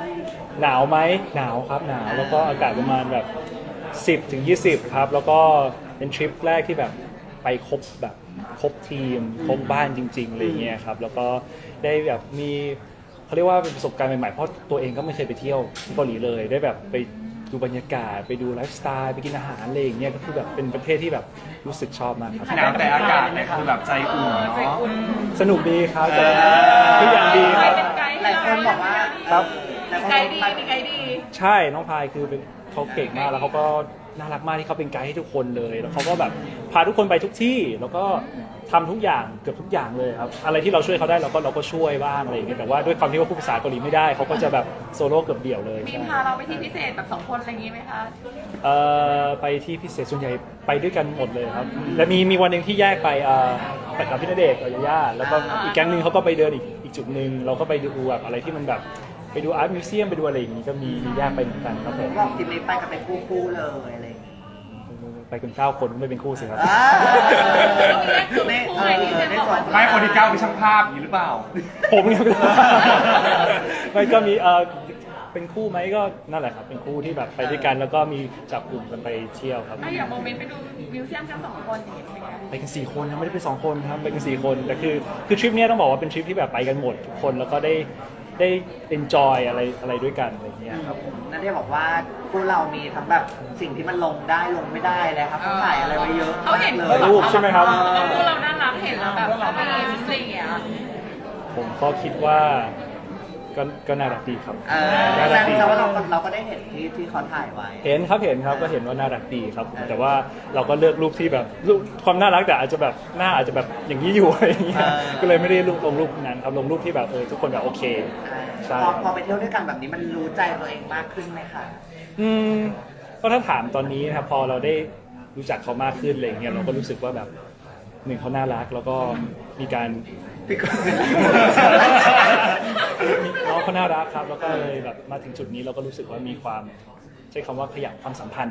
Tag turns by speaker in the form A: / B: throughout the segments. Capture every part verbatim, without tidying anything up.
A: หนาวไหมหนาวครับหนาวแล้วก็อากาศประมาณแบบสิบถึงยี่สิบครับแล้วก็เป็นทริปแรกที่แบบไปครบแบบครบทีมครบบ้านจริงๆอะไรเงี้ยครับแล้วก็ได้แบบมีเขาเรียกว่าเป็นประสบการณ์ใหม่ๆเพราะตัวเองก็ไม่เคยไปเที่ยวที่เกาหลีเลยได้แบบไปดูบรรยากาศไปดูไลฟ์สไตล์ไปกินอาหารอะไรอย่างเงี้ยก็คือแบบเป็นประเทศที่แบบรู้สึกชอบมากครับ
B: หนาวแต่อากาศเนี่ยคือแบบใจอุ่นเนาะ
A: สนุกดีครับทุกอย่างดีครับ
C: หลายคนบอกว่า
A: ครับ
C: มีไกด์ดีมีไกด์ดี
A: ใช่น้องพายคือเป็นเขาเก่งมากแล้วเขาก็น่ารักมากที่เขาเป็นไกด์ให้ทุกคนเลยแล้วเขาก็แบบพาทุกคนไปทุกที่แล้วก็ทำทุกอย่างเกือบทุกอย่างเลยครับอะไรที่เราช่วยเขาได้เราก็เราก็ช่วยบ้างอะไรอย่างเงี้ยแต่ว่าด้วยความที่ว่าพูดภาษาเกาหลีไม่ได้เขาก็จะแบบโซโล่เกือบเดี่ยวเลย
C: มี
A: ใช่
C: พาเราไปที่พิเศษแบบสองคนอะไรอย่างงี้ไหมคะ
A: เอ่อไปที่พิเศษส่วนใหญ่ไปด้วยกันหมดเลยครับและมีมีวันหนึ่งที่แยกไปเอ่อไปกับพี่ณเดชน์กับยาย่าแล้วก็อีกแก๊งหนึงเขาก็ไปเดินอีกอีกจุดหนึ่งเราก็ไปดูแบบอะไรที่มันแบบไปดูอาร์ตมิวเซียมไปดูอะไรอย่างงี้ก็มีมีแยกไปเหมือนกันครับผม
D: บอกทีมนี้ไปกันเป็นคู่ๆเลยอะไรอย่างงี้
A: ไปกันเก้าคนไม่เป็นคู่สิครับ
D: อ่า
C: ในเออในส่วน
B: ไม่คนที่เก้าเป็นช่างภาพอย่างนี้หรือเปล่า
A: ผมเนี่ยไม่ก็มีเออเป็นคู่ไหมก็นั่นแหละครับเป็นคู่ที่แบบไปด้วยกันแล้วก็มีจับกลุ่มกันไปเที่ยวครับ
C: ถ้าอย่างโมเมนต์ไปดูมิวเซียมกันสองคนอย่างเงี้ยเป็นไง
A: ไปกันสี่คนนะไม่ได้ไปสองคนครับไปกันสี่คนแต่คือคือทริปเนี้ยต้องบอกว่าเป็นทริปที่แบบไปกันหมดทุกคนแล้วก็ได้ได้ enjoy อะไรอะไรด้วยกันอะไรเงี้ยครับ
D: นั่นที่บอกว่าพวกเรามีทั้งแบบสิ่งที่มันลงได้ลงไม่ได้เลยครับเขาถ่ายอะไรไว้เยอะ
C: เขาเห็น
D: เล
A: ถ่าย
D: ย
A: รูปใช่ไหมครับ
C: แล้วพวกเราน่ารักเห็นแล้วแบบเขาไม่ได้สิ่งเงี้ย
A: ผมก็คิดว่าก็ก็น่ารักดีครับ
D: เออ
A: น่า
D: แส
A: รั
D: ด
A: กดี
D: งว่าเราเราก็ได้เห็นที่ที่เขาถ่ายไว้
A: เห็นครับเห็นครับก็เห็นว่าน่ารักดีครับผมแต่ว่าเราก็เลือกรูปที่แบบรูปความน่ารักแต่อาจจะแบบหน้าอาจจะแบบอย่างนี้อยู่อะไรอย่างเงี้ย
D: เออ
A: ก็เลยไม่ได้ลงรูปนั้นครับลงรูปที่แบบเออทุกคนแบบโอเค ใช่
D: พอพอไปเที่ยวด้วยกันแบบนี้มันรู้ใจตัวเองมากขึ้นไหมคะ
A: อืมก็ถ้าถามตอนนี้นะครับพอเราได้รู้จักเขามากขึ้นอะไรอย่างเงี้ยเราก็รู้สึกว่าแบบหนึ่งเขาน่ารักแล้วก็มีการ
D: พี่ก็
A: น้องเขาน่ารักครับแล้วก็เลยแบบมาถึงจุดนี้เราก็รู้สึกว่ามีความใช้คำว่าขยับความสัมพันธ์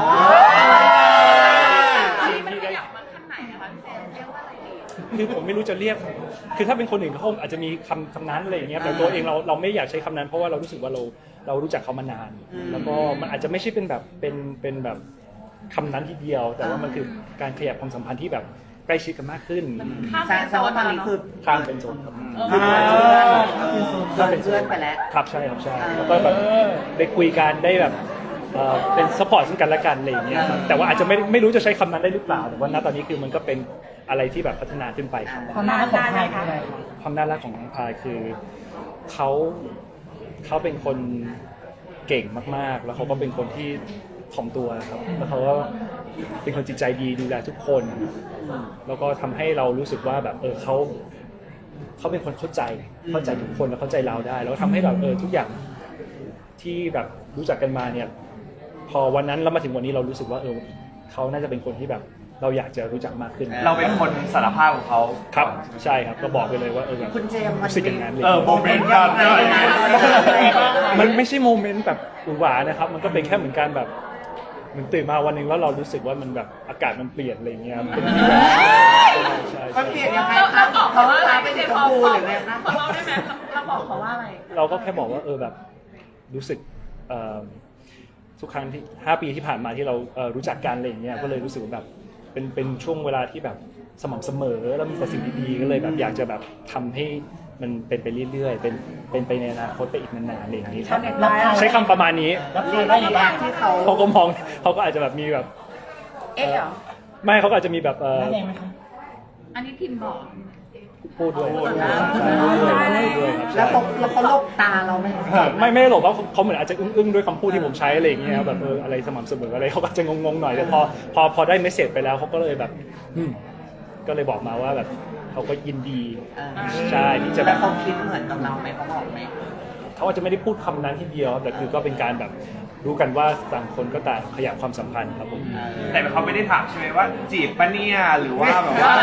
C: ที่มันขยับมาขั้นไหนนะคะพี่เจมส์เรียกว่าอะไรดี
A: คือผมไม่รู้จะเรียกคือถ้าเป็นคนอื่นเขาอาจจะมีคำคำนั้นอะไรอย่างเงี้ยแต่ตัวเองเราเราไม่อยากใช้คำนั้นเพราะว่าเรารู้สึกว่าเราเรารู้จักเขามานาน แล้วก็มันอาจจะไม่ใช่เป็นแบบเป็นเป็นแบบคำนั้นทีเดียว แต่ว่ามันคือการขยับความสัมพันธ์ที่แบบใกล้ชิดกันมากขึ้น
C: ข้าม
D: แสดงว่าตอนนี้คือ
A: ข้ามเป็นโซนครับ
D: เพื่อนเพื่อนไปแล้ว
A: ครับใช่ครับใช่แล้วก็แบบได้คุยกันได้แบบเอ่อเป็นซัพพอร์ตซึ่งกันและกันอะไรอย่างเงี้ยครับแต่ว่าอาจจะไม่ไม่รู้จะใช้คำนั้นได้หรือเปล่าแต่ว่าณตอนนี้คือมันก็เป็นอะไรที่แบบพัฒนาขึ้นไปครับ
E: ความน่ารักของไทยคืออะไรคะ
A: ความน่ารักของน้องพายคือเขาเขาเป็นคนเก่งมากๆ แล้วเขาก็เป็นคนที่ถ่อมตัวครับแล้วเขาก็เป็นคนจิตใจดีดูแลทุกคนแล้วก็ทำให้เรารู้สึกว่าแบบเออเขาเขาเป็นคนเข้าใจเข้าใจทุกคนแล้วเข้าใจเราได้ แล้วทำให้แบบเออทุกอย่างที่แบบรู้จักกันมาเนี่ยพอวันนั้นแล้วมาถึงวันนี้เรารู้สึกว่าเออเขาน่าจะเป็นคนที่แบบเราอยากจะรู้จักมากขึ้น
B: เราเป็นคนสารภาพของเขา
A: ครับใช่ครับก็บอกไปเลยว่าเออแบบ
D: คุณเจมส์มัน
A: รู้สึกอย่างนั้นเลย
B: เออโมเมนต์กัน
A: มันไม่ใช่โมเมนต์แบบหวือหวานะครับ มันก็เป็นแค่เหมือนการแบบเหมือนตื่นมาวันหนึ่งแล้วเรารู้สึกว่ามันแบบอากาศมันเปลี่ยนอะไรอย่างเงี้ยครับเป็นแบบใช่
D: มัน
A: ใช่
D: เปลี่ยนยังไง
C: เรา
D: ครั
C: เรา
D: บ
C: บอกเขาว่าอะไร
D: เป็
C: พี่
D: น
C: เจ
D: สี
C: ม
D: ช
C: ส์
D: ม
C: พอ
D: พูหรือไงคะ
C: พอเราได้ไหมเราบอกเขาว่าอะไร
A: เราก็แค่บอกว่าเออแบบรู้สึกเอ่อทุกครั้งที่ห้าปีที่ผ่านมาที่เราเอ่อรู้จักกันอะไรอย่างเงี้ยก็เลยรู้สึกว่าแบบเป็นเป็นช่วงเวลาที่แบบสม่ำเสมอแล้วมีแต่สิ่งดีๆก็เลยแบบอยากจะแบบทำให้มันเป็นไปเรื่อยๆเป็นเป็นไปในอนาคตไปอีกนานๆอะไรอย่างนี้ครับ
E: รับทาย
A: ใช้คำประมาณนี้
E: รับทายว่าอย่างไร
D: ที่เขา
A: เขาก็มองเขาก็อาจจะแบบมีแบบ
C: เอ๊ะเหรอ
A: ไม่เขาก็อาจจะมีแบบเออ
E: หน้าแดงไหมคะ
C: อันนี้พิมพ์บอก
A: พูดด้วย
B: พูด
A: ใช่พูดด้วยพูดด้วยครับ
D: แล้ว
A: ใช่
D: เขาแล้วเขาลบตาเราไหมคะ
A: ไม่ไม่ได้หรอกว่าเขาเหมือนอาจจะอึ้งๆด้วยคำพูดที่ผมใช้อะไรอย่างเงี้ยครับแบบเอออะไรสม่ำเสมออะไรเขาก็จะงงๆหน่อยแต่พอพอพอได้เมสเซจไปแล้วเขาก็เลยแบบอืมก็เลยบอกมาว่าแบบเขาก็ยินดี
D: เออ
A: ใช่ที่จะแบ
D: แล้ว
A: บ
D: เขาคิดเหมือนกับเราไหมเขาบอกไหม
A: เขาอาจจะไม่ได้พูดคำนั้นทีเดียวแต่คือก็เป็นการแบบรู้กันว่าต่างคนก็ต่างขยับความสัมพันธ์ครับผม
B: แต่เขาไม่ได้ถามใช่ไหมว่าจีบปะเนี่ยหรือว่าแบบว่า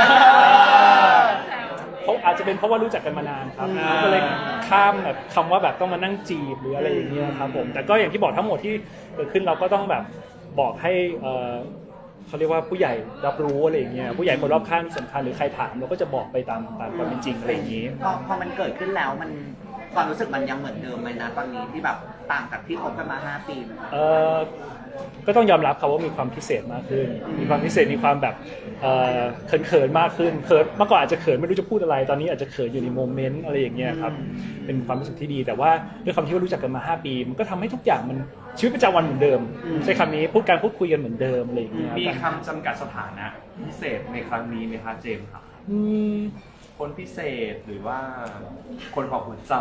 A: เขาอาจจะเป็นเพราะว่ารู้จักกันมานานครับ
B: อ่า
A: ก็เลยข้ามแบบคำว่าแบบต้องมานั่งจีบหรืออะไรอย่างเงี้ยครับผมแต่ก็อย่างที่บอกทั้งหมดที่เกิดขึ้นเราก็ต้องแบบบอกให้เอ่อเขาเรียกว่าผู้ใหญ่รับรู้อะไรอย่างเงี้ยผู้ใหญ่คนรอบข้างที่สำคัญหรือใครถามเราก็จะบอกไปตามตามความเป็นจริงอะไรอย่างงี้
D: พอพอมันเกิดขึ้นแล้วมันคความรู้สึกมันยังเหมือนเดิมไหมนะตอนนี้ที่แบบต่างจากที่คบกันมาห้าปีไหม
A: เออก็ต้องยอมรับครับว่ามีความพิเศษมากขึ้น มีความพิเศษมีความแบบเอ่อเขินเขินๆมากขึ้นเขินเมื่อก่อนอาจจะเขินไม่รู้จะพูดอะไร ตอนนี้อาจจะเขินอยู่ในโมเมนต์อะไรอย่างเงี้ยครับเป็นความรู้สึกที่ดี แต่ว่าด้วยความที่ว่ารู้จักกันมาห้าปี มันก็ทำให้ทุกอย่างมันชีวิตประจำวันเหมือนเดิมใช้คำนี้พูดการพูดคุยกันเหมือนเดิมอะไรอย่างเงี้ย
B: มีคำจำกัดสถานะพิเศษในครั้งนี้ไหมคะเจมส์ครับ
A: อืม
B: คนพิเศษหรือว่าคนของหัวใจ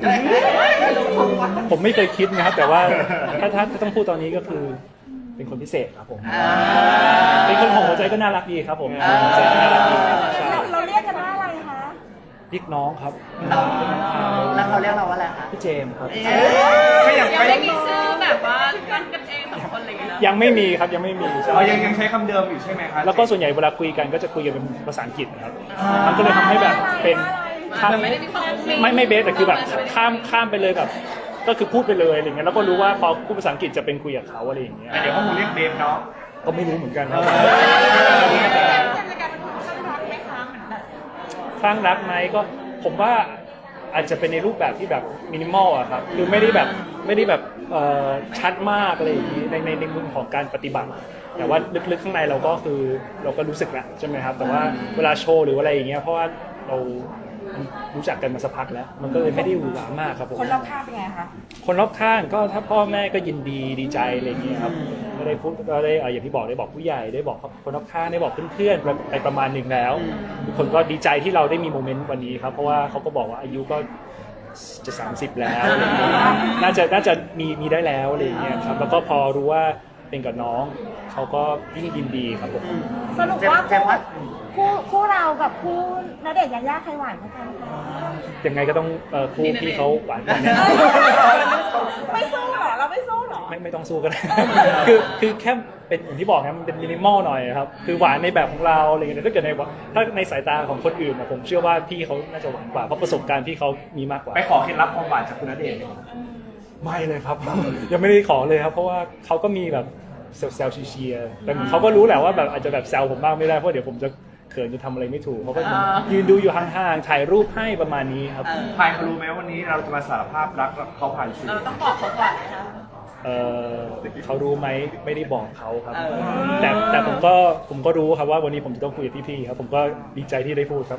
A: ผมไม่เคยคิดนะครับ แต่ว่าถ้าถ้าถ้าต้องพูดตอนนี้ก็คือเป็นคนพิเศษครับผม
D: อ่า
A: เป็นคนของหัวใจก็น่ารักดีครับผมหัวใจก็น่ารักดีครับใช่
F: เราเราเรียกกันว่าอะไรคะ
A: เรียกน้องครับ
D: น้องแล้วเขาเรียกเราว่าอะไรคะ
A: พี่เจมส์ครับ
D: เอ๊ะ
B: ก็ยัง
C: ยัง
B: ไม่
C: ไม่มีชื่อแบบว่ากันกันเองสองคนอะไรอย่างเงี้ย
A: ยังไม่มีครับยังไม่มีใช่
B: เรายังยังใช้คำเดิมอยู่ใช่ไหมคะ
A: แล้วก็ส่วนใหญ่เวลาคุยกันก็จะคุยกันเป็นภาษาอังกฤษนะครับมันก็เลยทำให้แบบเป็นข้าม
C: ไม่ได้มีความมุ้งมิ้ง
A: ไม่ไม่เบสแต่คือแบบข้ามข้ามไปเลยแบบ ก็คือพูดไปเลยอะไรเงี้ยแล้วก็รู้ว่าพอพูดภาษาอังกฤษจะเป็นคุยกับเขาอะไรอย่างเงี้ย
B: แต่เดี๋ยวเขาคงเรียกเบฟเนาะ
A: ก็ไม่รู้เหมือนกันครับ
C: เจมส์จะกลายเป็นคนข้างรักไหมคะเหมือนแบบ
A: คลั่งรักไหมก็ผมว่าอาจจะเป็นในรูปแบบที่แบบมินิมอลอะครับคือไม่ได้แบบไม่ได้แบบเอ่อชัดมากอะไรอย่างนี้ในในในมุมของการปฏิบัติ แต่ว่าลึกๆข้างในเราก็คือเราก็รู้สึกแหละใช่ไหมครับแต่ว่าเวลาโชว์หรืออะไรอย่างเงี้ยเพราะว่าเรารู้จักกันมาสักพักแล้ว มันก็เลยไม่ได้หวือหวามากครับผม
F: คนรอบข้างเป็นไงคะ
A: คนรอบข้างก็ถ้าพ่อแม่ก็ยินดีดีใจอะไรอย่างเงี้ยครับก็ได้พูดก็ได้เอ่ออย่างที่บอกได้บอกผู้ใหญ่ได้บอกคนรอบข้างได้บอกเพื่อนๆไปประมาณหนึ่งแล้วทุกคนก็ดีใจที่เราได้มีโมเมนต์วันนี้ครับเพราะว่าเขาก็บอกว่าอายุก็จะสามสิบแล้วอะไรอย่างเงี้ยน่าจะน่าจะมีมีได้แล้วอะไรอย่างเงี้ยครับแล้วก็พอรู้ว่าเป็นกับน้องเขาก็ยิ่งยินดีครับผม
F: สรุป
D: เจม
F: ว่า
D: ส์เจมส์ว่า
F: คู่คู่เรากับคู่ณเดชน์ยายาใครหวานกว่ากันคะ
A: ยังไงก็ต้องเอ่อคู่พี่เขาหวานกว่าแน่
F: ไม่สู้เหรอ เราไม่สู้เหรอ
A: ไม่ไม่ต้องสู้ก็ได้ คือคือแค่เป็นอย่างที่บอกนะมันเป็นมินิมอลหน่อยครับคือหวานในแบบของเราอะไรอย่างเงี้ยถ้าเกิดในถ้าในสายตาของคนอื่นนะผมเชื่อว่าพี่เขาน่าจะหวานกว่าเพราะประสบการณ์พี่เขามีมากกว่า
B: ไปขอเคล็ดลับความหวานจากคุณณเดชน์เลย
A: ไม่เลยครับ ยังไม่ได้ขอเลยครับ เพราะว่าเขาก็มีแบบแซวๆเชียร์ๆแต่เขาก็รู้แหละว่าแบบอาจจะแบบแซวผมบ้างไม่ได้เพราะเดี๋ยวผมจะเขินจะทำอะไรไม่ถูกเขาก็ยืนดูอยู่ห่างๆถ่ายรูปให้ประมาณนี้ครับ
B: พายเขารู้ไหมวันนี้เราจะมาสารภาพรักเขาผ่านสื่อ
C: เราต้องบอกเขาก่อนนะคะ
A: เออเขารู้ไหมไม่ได้บอกเขาครับ
D: เออ
A: แต่แต่ผมก็ผมก็รู้ครับว่าวันนี้ผมจะต้องคุยกับพี่ๆครับผมก็ดีใจที่ได้พูดครับ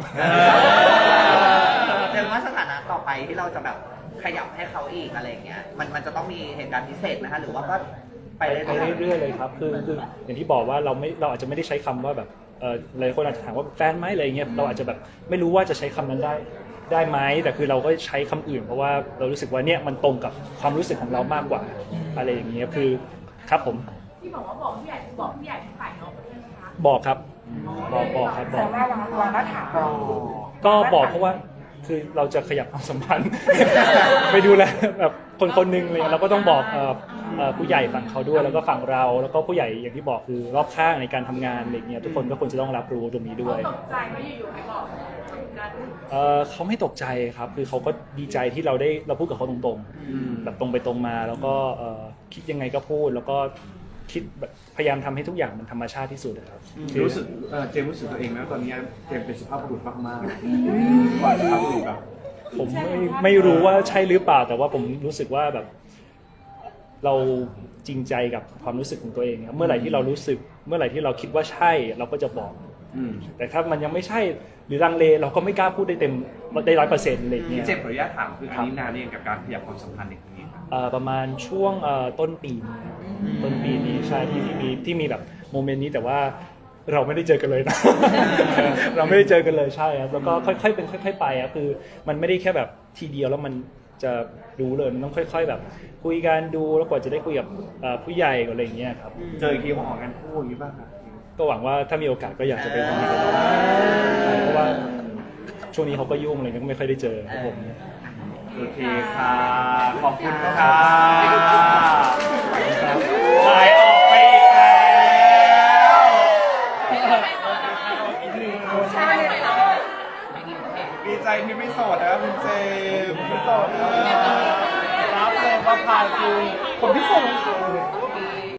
D: เจมส์ว่าสถานะต่อไปที่เราจะแบบขยับให้เขาอีกอะไรอย่างเงี้ยมันมันจะต้องมีเหตุการณ์พิเศษไหมคะหรือว่าก็ไป
A: ไป
D: เรื่อยๆ
A: เรื่อยๆเลยครับคือคืออย่างที่บอกว่าเราไม่เราอาจจะไม่ได้ใช้คำว่าแบบเออหลายคนอาจจะถามว่าแฟนไหมอะไรเงี้ยเราอาจจะแบบไม่รู้ว่าจะใช้คำนั้นได้ได้ไหมแต่คือเราก็ใช้คำอื่น เพราะว่าเรารู้สึกว่าเนี่ยมันตรงกับความรู้สึกของเรามากกว่าอะไรอย่างเงี้ยคือครับผม
C: ที่บอกว่าบอกผู้ใหญ่บอกผู้ใหญ่ฝ่ายน้องใช่ไหมคะ
A: บอกครับบอกบอกครับบ
F: แต่
A: อก
F: ว่าวางวางมาตรฐาน
A: ก็บอกเพราะว่าคือเราจะขยับความสัมพันธ์ ไปดูแลแบบคนคนหนึ่งเลยเราก็ต้องบอกเอ่อเอ่อผู้ใหญ่ฝั่งเขาด้วยแล้วก็ฝั่งเราแล้วก็ผู้ใหญ่อย่างที่บอกคือรอบข้างในการทำงานอะไรเงี้ยทุกคนก็ควรจะต้องรับรู้ตรงนี้ด้วย
C: ตกใจไม่อยู่ๆไปบอกกัน
A: เอ่อเขาไม่ตกใจครับคือเขาก็ดีใจที่เราได้เราพูดกับเขาตรงๆแบบตรงไปตรงมา แล้วก็เอ่อคิดยังไงก็พูด แล้วก็คิดแบบพยายามทำให้ทุกอย่างมันธรรมชาติที่สุดนะครับคือ
B: รู้สึกเอ่อเจมส์รู้สึกตัวเองไหมว่าตอนนี้เจมส์เป็นสุภาพบุรุษมากๆว่าสุภาพบุรุษแบบ
A: ผมไม่ไม่รู้ว่าใช่หรือเปล่า แต่ว่าผมรู้สึกว่าแบบ เราจริงใจกับความรู้สึกของตัวเองครับเมื่อไหร่ที่เรารู้สึก เมื่อไหร่ที่เราคิดว่าใช่เราก็จะบอก
B: อืม
A: แต่ถ้ามันยังไม่ใช่หรือลังเลเราก็ไม่กล้าพูดได้เต็มได้ร้อยเปอร์เซ็นต์อะไรอย่างเงี้
B: พี่
A: ย
B: เจมส์ขออนุญาตถามคืออันนี้นานนี่กับการขยับความสัมพันธ์ในครั้งนี้ครับ
A: เอ่อประมาณช่วงเอ่อต้นปีนี้ต้นปีนี้ใช่ที่ที่มีที่มีแบบโมเมนต์นี้แต่ว่าเราไม่ได้เจอกันเลยนะ เราไม่ได้เจอกันเลยใช่ครับแล้วก็ค่อยๆเป็นค่อย ๆ ไปครับคือมันไม่ได้แค่แบบทีเดียวแล้วมันจะรู้เลยมันต้องค่อย ๆ แบบ คุยกันดูแล้วกว่าจะได้คุยกับเอ่อผู้ใหญ่อะไรอย่างเงี้ยครับ
B: เจออีกทีของออกงานคู่อย่างนี้บ้างครับ
A: ก็หวังว่าถ้ามีโอกาสก็อยากจะไปทำนี้กันเพราะว่าช่วงนี้เขาก็ยุ่งเลยก็ไม่ค่อยได้เจอครับผม
B: โอเคค่ะ ขอบคุณค่ะหายออกไปอีกแล้วดีใจที่ไม่โสดนะคุณเจมส์ไม่โสดนะ
E: รับเลยว่าพายคือผมพิเศษของเขา